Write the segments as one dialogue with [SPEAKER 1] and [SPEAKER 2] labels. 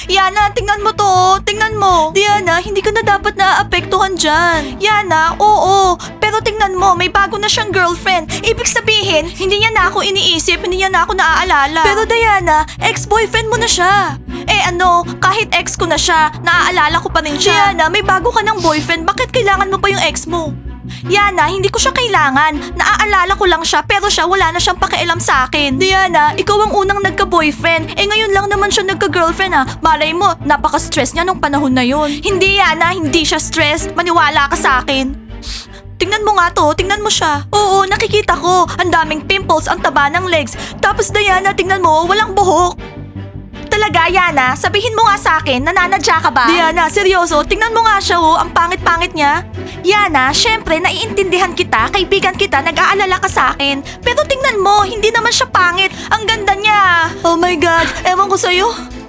[SPEAKER 1] Yana, tingnan mo to. Tingnan mo. Diana, hindi ka na dapat naaapektuhan dyan. Yana, oo. Pero tingnan mo, may bago na siyang girlfriend. Ibig sabihin, hindi niya na ako iniisip, hindi niya na ako naaalala. Pero Diana, ex-boyfriend mo na siya. Eh ano, kahit ex ko na siya, naaalala ko pa rin siya. Diana, may bago ka ng boyfriend, bakit kailangan mo pa yung ex mo? Yana, hindi ko siya kailangan. Naaalala ko lang siya pero siya wala na siyang pakialam sa akin. Diana, ikaw ang unang nagka-boyfriend. Eh ngayon lang naman siya nagka-girlfriend ha. Malay mo, napaka-stress niya nung panahon na yun. Hindi Yana, hindi siya stress. Maniwala ka sa akin. Tingnan mo nga to, tingnan mo siya. Oo, nakikita ko. Ang daming pimples, ang taba ng legs. Tapos Diana, tingnan mo, walang buhok. Talaga, Yana? Sabihin mo nga sa akin, nananadya ka ba? Diana, seryoso, tingnan mo nga siya oh, ang pangit-pangit niya. Yana, syempre, naiintindihan kita, kaibigan kita, nag-aalala ka sa akin. Pero tingnan mo, hindi naman siya pangit, ang ganda niya. Oh my God, ewan ko sa'yo.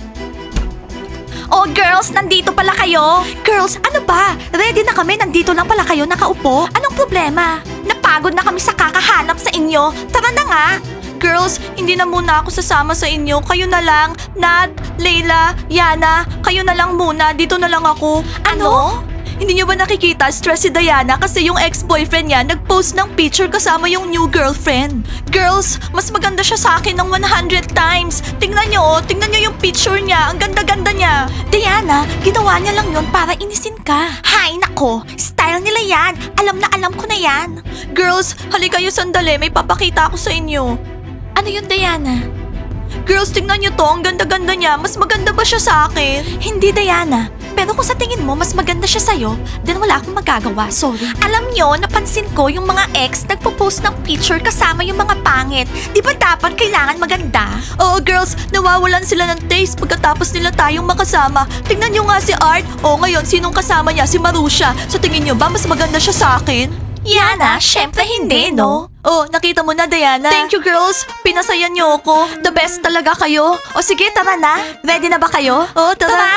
[SPEAKER 1] Oh, girls, nandito pala kayo. Girls, ano ba? Ready na kami, nandito lang pala kayo nakaupo. Anong problema? Napagod na kami sa kakahanap sa inyo. Tara na nga. Girls, hindi na muna ako sasama sa inyo. Kayo na lang. Nat, Layla, Yana, kayo na lang muna. Dito na lang ako. Ano? Hindi niyo ba nakikita? Stress si Diana kasi yung ex-boyfriend niya nag-post ng picture kasama yung new girlfriend. Girls, mas maganda siya sa akin ng 100 times. Tingnan niyo yung picture niya. Ang ganda-ganda niya. Diana, ginawa niya lang yun para inisin ka. Hay nako, style nila yan. Alam ko na yan. Girls, halika kayo sandali. May papakita ako sa inyo. Ano yun, Diana? Girls, tingnan niyo to. Ang ganda-ganda niya. Mas maganda ba siya sa akin? Hindi, Diana. Pero kung sa tingin mo, mas maganda siya sa'yo, then wala akong magagawa. Sorry. Alam niyo, napansin ko yung mga ex nagpo-post ng picture kasama yung mga pangit. Di ba dapat kailangan maganda? Oo, girls. Nawawalan sila ng taste pagkatapos nila tayong makasama. Tingnan niyo nga si Art. O ngayon, sinong kasama niya? Si Marusha. Sa tingin niyo ba, mas maganda siya sa akin? Yana, syempre hindi, no? Oh, nakita mo na, Diana. Thank you, girls. Pinasaya niyo ako. The best talaga kayo. O sige, tara na. Ready na ba kayo? Oh, tara.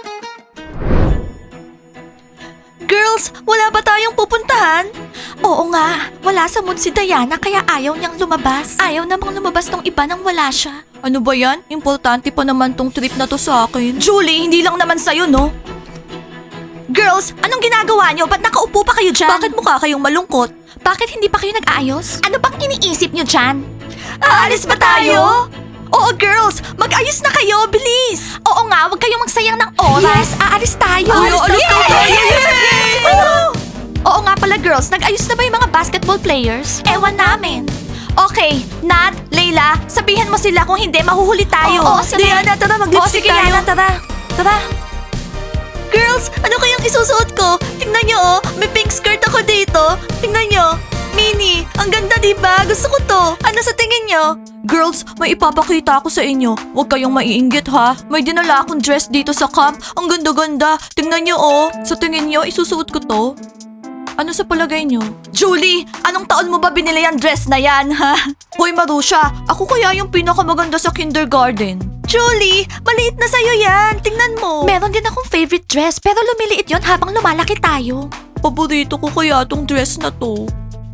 [SPEAKER 1] Girls, wala ba tayong pupuntahan? Oo nga, wala sa mood si Diana kaya ayaw niyang lumabas. Ayaw namang lumabas ng iba nang wala siya. Ano ba yan? Importante pa naman tong trip na to sa akin. Julie, hindi lang naman sa'yo, no? Girls, anong ginagawa niyo? Ba't nakaupo pa kayo dyan? Bakit mukha kayong malungkot? Bakit hindi pa kayo nag-aayos? Ano bang iniisip niyo dyan? Aalis ba tayo? Oo, girls! Mag-ayos na kayo! Bilis! Oo nga, huwag kayong magsayang ng oras. Yes, aalis tayo! Aalis tayo! Oo nga pala, girls. Nag-ayos na ba yung mga basketball players? Ewan namin. Okay, Nat, Layla, sabihin mo sila kung hindi, mahuhuli tayo. Oo, sige. Diana, tara, mag-lipstick tayo. Diana, tara. Tara. Girls, ano kayang isusuot ko? Tingnan nyo oh, may pink skirt ako dito. Tingnan nyo. Mini, ang ganda diba? Gusto ko to. Ano sa tingin nyo? Girls, may ipapakita ako sa inyo. Huwag kayong maiinggit ha. May dinala akong dress dito sa camp. Ang ganda-ganda. Tingnan nyo oh. Sa tingin nyo, isusuot ko to? Ano sa palagay nyo? Julie, anong taon mo ba binili yung dress na yan, ha? Hoy Marusha, ako kaya yung pinakamaganda sa kindergarten. Julie, maliit na sa'yo yan. Tingnan mo. Meron din akong favorite dress, pero lumiliit yon habang lumalaki tayo. Paborito ko kaya tong dress na to.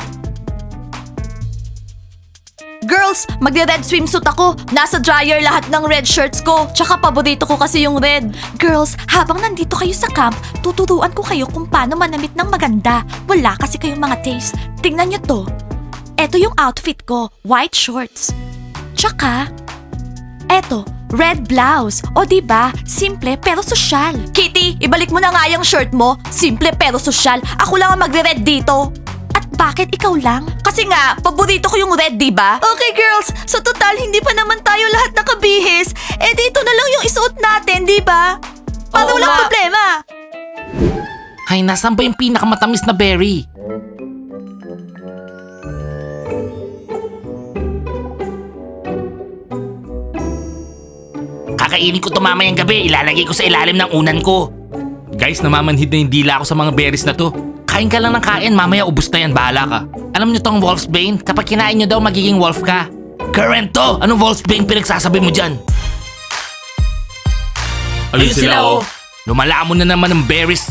[SPEAKER 1] Girls, magre-red swimsuit ako. Nasa dryer lahat ng red shirts ko. Tsaka paborito ko kasi yung red. Girls, habang nandito kayo sa camp, tuturuan ko kayo kung paano manamit ng maganda. Wala kasi kayong mga taste. Tingnan nyo to. Eto yung outfit ko, white shorts. Tsaka, eto, red blouse. O diba, simple pero sosyal. Kitty, ibalik mo na nga yung shirt mo. Simple pero sosyal. Ako lang ang magre-red dito. At bakit ikaw lang? Kasi nga, paborito ko yung red, diba? Okay girls, so total hindi pa naman tayo lahat nakabihis. Eh dito na lang yung isuot natin, diba? Para
[SPEAKER 2] Oo
[SPEAKER 1] walang
[SPEAKER 2] nga.
[SPEAKER 1] problema.
[SPEAKER 2] Ay, nasaan ba yung pinakamatamis na berry? Kakainin ko to mamayang gabi. Ilalagay ko sa ilalim ng unan ko. Guys, namamanhid na yung dila ako sa mga berries na to. Kain ka lang ng kain, mamaya ubus na yan, bahala ka. Alam niyo tong Wolf's Bane? Kapag kinain niyo daw, magiging wolf ka. Current to! Anong Wolf's Bane pinagsasabi mo dyan? Ayun sila oh. Lumalamon na naman ng berries.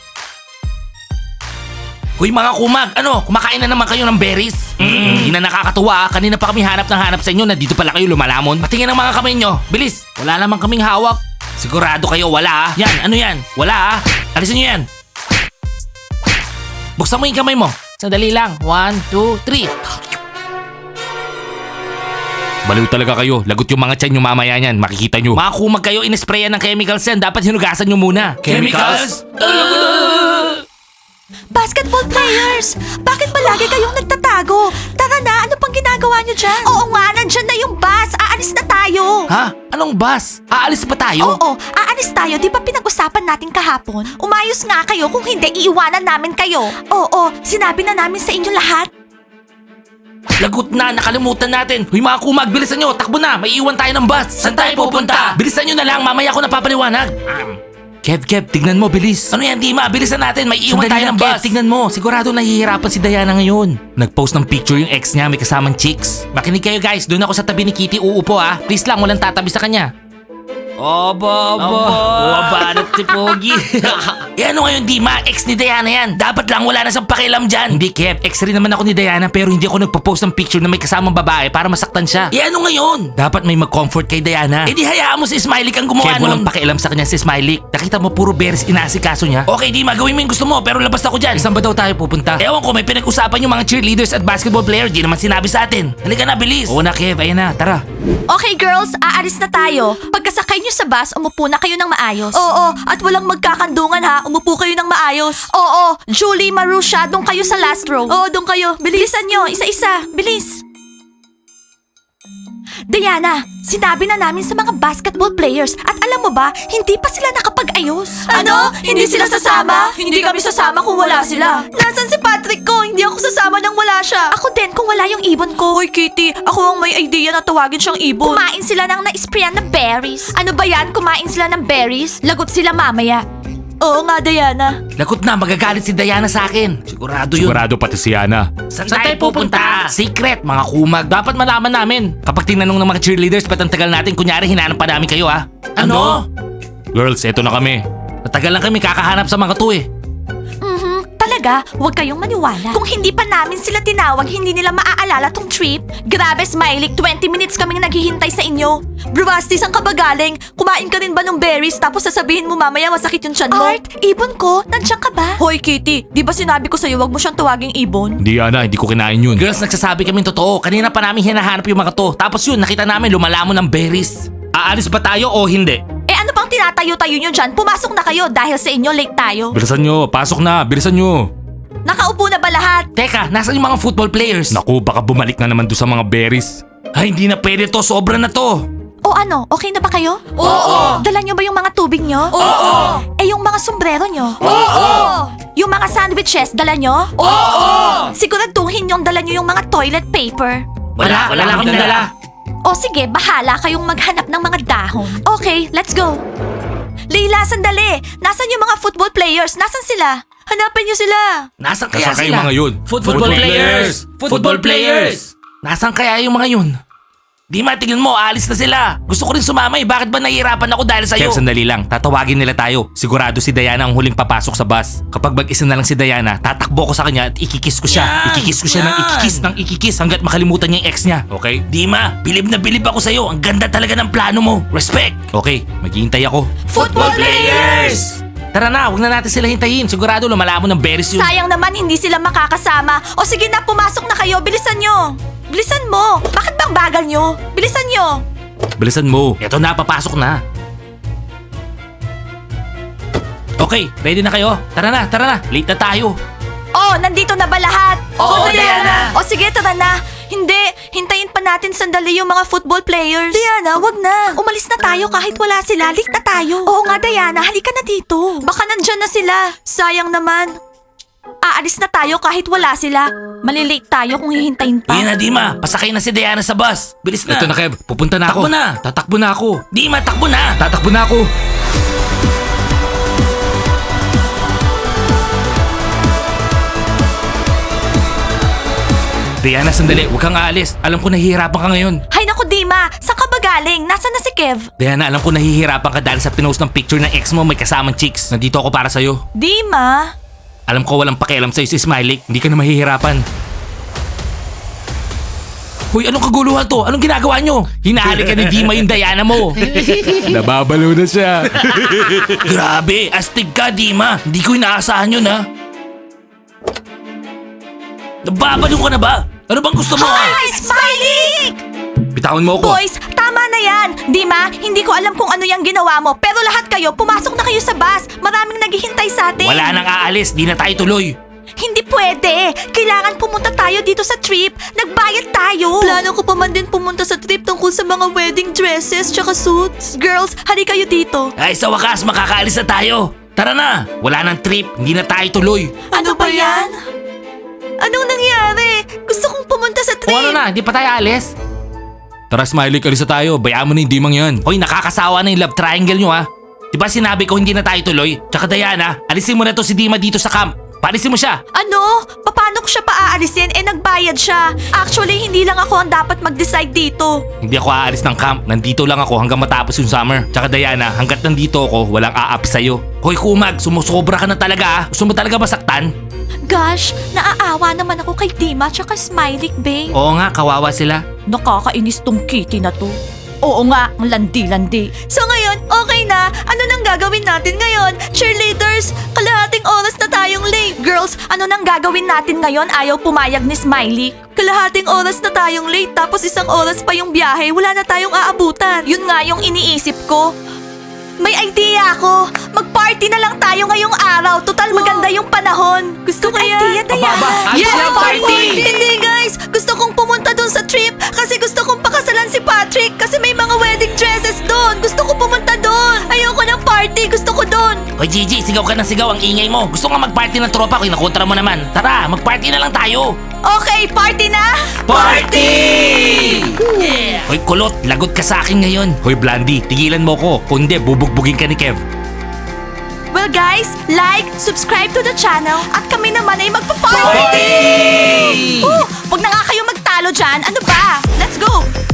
[SPEAKER 2] Hoy mga kumag, ano? Kumakain na naman kayo ng berries? Hindi na nakakatuwa. Kanina pa kami hanap sa inyo. Nandito pala kayo lumalamon. Patingin ang mga kamay nyo. Bilis! Wala naman kaming hawak. Sigurado kayo wala ah. Yan, ano yan? Wala ah. Alisin nyo yan. Buksan mo yung kamay mo. Sandali lang. 1, 2, 3. Baliw talaga kayo. Lagot yung mga tiyan nyo mamaya niyan. Makikita nyo. Mga kumag kayo, inisprayan ng chemicals yan. Dapat hinugasan nyo muna. Chemicals?
[SPEAKER 1] Basketball players! Bakit ba lagi kayong nagtatago? Tara na, ano pang ginagawa niyo dyan? Oo nga, nandyan na yung bus. Aalis na tayo.
[SPEAKER 2] Ha? Anong bus? Aalis pa tayo?
[SPEAKER 1] Oo, aalis tayo. Di ba pinag-usapan natin kahapon? Umayos nga kayo, kung hindi, iiwanan namin kayo. Oo, sinabi na namin sa inyo lahat.
[SPEAKER 2] Lagot na, nakalimutan natin. Huy mga kumag, bilisan nyo. Takbo na, may iwan tayo ng bus. Saan tayo pupunta? Bilisan nyo na lang, mamaya ko napapaliwanag. Kev, tignan mo, bilis. Ano yan, Dima? Bilisan natin, may iwan tayo ng bus. Tignan mo, sigurado nahihirapan si Diana ngayon. Nag-post ng picture yung ex niya, may kasamang chicks. Makinig kayo guys, doon ako sa tabi ni Kitty uupo ah. Please lang, walang tatabi sa kanya. Oba. Banat si Pogi. Eh ano ngayon, Dima? Ex ni Diana yan. Dapat lang wala na siyang pakialam dyan. Hindi, Kev. Ex rin naman ako ni Diana pero hindi ako nagpo-post ng picture na may kasamang babae para masaktan siya. Eh ano ngayon? Dapat may mag-comfort kay Diana. Eh di hayaan mo si Smiley kang gumawa
[SPEAKER 3] Kev,
[SPEAKER 2] nun.
[SPEAKER 3] walang
[SPEAKER 2] pakialam sa kanya si Smiley. Nakita mo puro bears inaasikaso niya. Okay, Dima, gawin mo yung gusto mo pero labas ako dyan. Saan ba daw tayo pupunta? Ewan ko, may pinag-usapan yung mga cheerleaders at basketball player. Di naman sinabi sa atin. Halika na, bilis. Oo na, Kev. Ayan na, tara.
[SPEAKER 1] Okay girls, aalis na tayo. Pagkasakay nyo sa bus, umupo na kayo ng maayos. Oo, at walang magkakandungan ha. Umupo kayo ng maayos. Oo, Julie, Marusha, doon kayo sa last row. Oo, doon kayo. Bilisan nyo, isa-isa. Bilis. Diana, sinabi na namin sa mga basketball players at alam mo ba, hindi pa sila nakapag-ayos. Ano? Hindi sila sasama? Hindi kami sasama kung wala sila. Nasaan si Patrick ko? Hindi ako sasama nang wala siya. Ako din kung wala yung ibon ko. Hoy Kitty, ako ang may idea na tawagin siyang ibon. Kumain sila ng na-sprayan na berries. Ano ba yan? Kumain sila ng berries? Lagot sila mamaya. Oo nga, Diana.
[SPEAKER 2] Lagot na, magagalit si Diana sa akin. Sigurado yun.
[SPEAKER 3] Sigurado pati si Yana.
[SPEAKER 2] Saan tayo pupunta? Secret, mga kumag. Dapat malaman namin. Kapag tinanong ng mga cheerleaders, ba't ang tagal natin? Kunyari, hinanap pa namin kayo, ha? Ano?
[SPEAKER 3] Girls, eto na kami.
[SPEAKER 2] Matagal lang kami kakahanap sa mga to, eh.
[SPEAKER 1] Talaga, huwag kayong maniwala. Kung hindi pa namin sila tinawag, hindi nila maaalala tong trip. Grabe, Smiley, 20 minutes kaming naghihintay sa inyo. Bravasti, saan ka ba galing? Kumain ka rin ba ng berries tapos sasabihin mo mamaya masakit yung tiyan mo? Art, ibon ko, nandiyan ka ba? Hoy, Kitty, di ba sinabi ko sa'yo wag mo siyang tawaging ibon?
[SPEAKER 3] Hindi Yana, hindi ko kinain yun.
[SPEAKER 2] Girls, nagsasabi kami totoo. Kanina pa namin hinahanap yung mga to. Tapos yun, nakita namin lumalamon ng berries. Aalis ba tayo o hindi?
[SPEAKER 1] Eh ano pang tinatayo-tayo nyo dyan? Pumasok na kayo dahil sa inyo late tayo.
[SPEAKER 3] Bilisan nyo, pasok na, bilisan nyo.
[SPEAKER 1] Nakaupo na ba lahat?
[SPEAKER 2] Teka, nasaan yung mga football players?
[SPEAKER 3] Naku, baka bumalik na naman doon sa mga berries.
[SPEAKER 2] Ay, hindi na pwede to. Sobra na to.
[SPEAKER 1] O ano, okay na ba kayo? Oo! Dala nyo ba yung mga tubig nyo? Oo! Eh yung mga sombrero nyo? Oo! Yung mga sandwiches, dala nyo? Oo! Siguraduhin yung dala nyo yung mga toilet paper.
[SPEAKER 2] Wala akong dala.
[SPEAKER 1] O sige, bahala kayong maghanap ng mga dahon. Okay, let's go. Leila, sandali! Nasaan yung mga football players? Nasaan sila? Hanapin nyo sila!
[SPEAKER 2] Nasaan kaya
[SPEAKER 3] Nasaan kayo
[SPEAKER 2] sila?
[SPEAKER 3] mga yun?
[SPEAKER 2] Football players! Football players! Nasaan kaya yung mga yun? Di tingnan mo, aalis na sila. Gusto ko rin sumama eh. Bakit ba nahihirapan ako dahil sa'yo?
[SPEAKER 3] Kev, sandali lang. Tatawagin nila tayo. Sigurado si Diana ang huling papasok sa bus. Kapag mag-isa na lang si Diana, tatakbo ko sa kanya at ikikiss ko siya.
[SPEAKER 2] Yan!
[SPEAKER 3] Ikikiss ko siya ng ikikis hanggat makalimutan niya yung ex niya. Okay?
[SPEAKER 2] Dima, bilib na bilib ako sa'yo. Ang ganda talaga ng plano mo. Respect!
[SPEAKER 3] Okay, maghihintay ako.
[SPEAKER 1] Football players!
[SPEAKER 2] Tara na, huwag na natin sila hintayin. Sigurado lumalamon ng berries yun.
[SPEAKER 1] Sayang naman hindi sila makakasama. O sige na, pumasok na kayo. Bilisan nyo. Bilisan mo. Bakit bang bagal nyo? Bilisan nyo.
[SPEAKER 3] Bilisan mo.
[SPEAKER 2] Eto na, papasok na. Okay, ready na kayo? Tara na. Late na tayo.
[SPEAKER 1] Oh, nandito na ba lahat?
[SPEAKER 2] Oo, Diana.
[SPEAKER 1] O sige, tara na. Hindi, hintayin pa natin sandali yung mga football players. Diana, wag na. Umalis na tayo kahit wala sila. Late na tayo. Oo nga, Diana. Halika na dito. Baka nandyan na sila. Sayang naman. Aalis na tayo kahit wala sila. Malilate tayo kung hihintayin pa.
[SPEAKER 2] Uy na, Dima. Pasakay na si Diana sa bus. Bilis na.
[SPEAKER 3] Ito na Kev, pupunta na ako.
[SPEAKER 2] Takbo na.
[SPEAKER 3] Tatakbo na ako.
[SPEAKER 2] Dima, takbo na.
[SPEAKER 3] Tatakbo na ako. Diana, sandali. Huwag kang aalis. Alam ko nahihirapan ka ngayon.
[SPEAKER 1] Hay naku, Dima. Saan ka ba galing? Nasaan na si Kev?
[SPEAKER 3] Diana, alam ko nahihirapan ka dahil sa pinost ng picture ng ex mo may kasamang chicks. Nandito ako para sa'yo.
[SPEAKER 1] Dima?
[SPEAKER 3] Alam ko walang pakialam sa'yo si Smiley. Hindi ka na mahihirapan.
[SPEAKER 2] Hoy, anong kaguluhan to? Anong ginagawa nyo? Hinahalikan ni Dima yung Diana mo.
[SPEAKER 3] Nababalo na siya.
[SPEAKER 2] Grabe, astig ka, Dima. Hindi ko inaasahan yun, ha? Nababalo ka na ba? Ano bang gusto mo, ha?
[SPEAKER 1] Hi, Smiley!
[SPEAKER 3] Bitawan mo ako.
[SPEAKER 1] Boys, tama na yan. Dima, hindi ko alam kung ano yung ginawa mo. Pero lahat kayo, pumasok na kayo sa bus. Maraming naghihintay sa atin.
[SPEAKER 2] Wala nang aalis, di na tayo tuloy.
[SPEAKER 1] Hindi pwede. Kailangan pumunta tayo dito sa trip. Nagbayad tayo. Plano ko pa man din pumunta sa trip tungkol sa mga wedding dresses tsaka suits. Girls, hali kayo dito.
[SPEAKER 2] Ay, sa wakas, makakaalis na tayo. Tara na, wala nang trip, hindi na tayo tuloy.
[SPEAKER 1] Ano ba yan? Anong nangyari? Gusto kong pumunta sa trip.
[SPEAKER 2] O ano na, hindi pa tayo alis?
[SPEAKER 3] Tara Smiley, alis na tayo. Bayaan mo na yung Dimang yan.
[SPEAKER 2] Hoy, nakakasawa na yung love triangle nyo, ha? Diba sinabi ko hindi na tayo tuloy? Tsaka Diana, alisin mo na to si Dima dito sa camp. Paalisin mo siya.
[SPEAKER 1] Ano? Paano ko siya paaalisin? Nagbayad siya. Actually, hindi lang ako ang dapat mag-decide dito.
[SPEAKER 2] Hindi ako aalis ng camp. Nandito lang ako hanggang matapos yung summer. Tsaka Diana, hanggat nandito ako, walang aapi sa'yo. Hoy Kumag, sumusobra ka na talaga, ha? Gusto mo talaga masaktan?
[SPEAKER 1] Gosh, naaawa naman ako kay Dima tsaka Smiley, babe.
[SPEAKER 2] Oo nga, kawawa sila.
[SPEAKER 1] Nakakainis tong kitty na to. Oo nga, ang landi-landi. So ngayon, okay na. Ano nang gagawin natin ngayon? Cheerleaders, kalahating oras na tayong late. Girls, ano nang gagawin natin ngayon? Ayaw pumayag ni Smiley. Kalahating oras na tayong late tapos isang oras pa yung biyahe. Wala na tayong aabutan. Yun nga yung iniisip ko. May idea ako. Mag-party na lang tayo ngayong araw. Total maganda yung panahon. Gusto ko yan. Idea,
[SPEAKER 2] Aba, ayos yan, party!
[SPEAKER 1] Hindi guys, gusto kong pumunta dun sa trip kasi gusto kong pakasalan si Patrick kasi may mga wedding dresses doon. Gusto ko pumunta doon. Ayoko ng party, gusto ko doon.
[SPEAKER 2] Hoy Gigi, sigaw ka ng sigaw, ang ingay mo. Gusto nga mag-party ng tropa ko, nakontra mo naman. Tara, mag-party na lang tayo.
[SPEAKER 1] Okay, party na?
[SPEAKER 2] Party! Yeah! Hoy Kulot, lagot ka sa akin ngayon.
[SPEAKER 3] Hoy Blandy, tigilan mo ko. Kung hindi, bubugbugin ka ni Kev.
[SPEAKER 1] Well guys, like, subscribe to the channel at kami naman ay magpa-party!
[SPEAKER 2] Party!
[SPEAKER 1] Wag na nga kayo magtalo dyan. Ano ba? Let's go!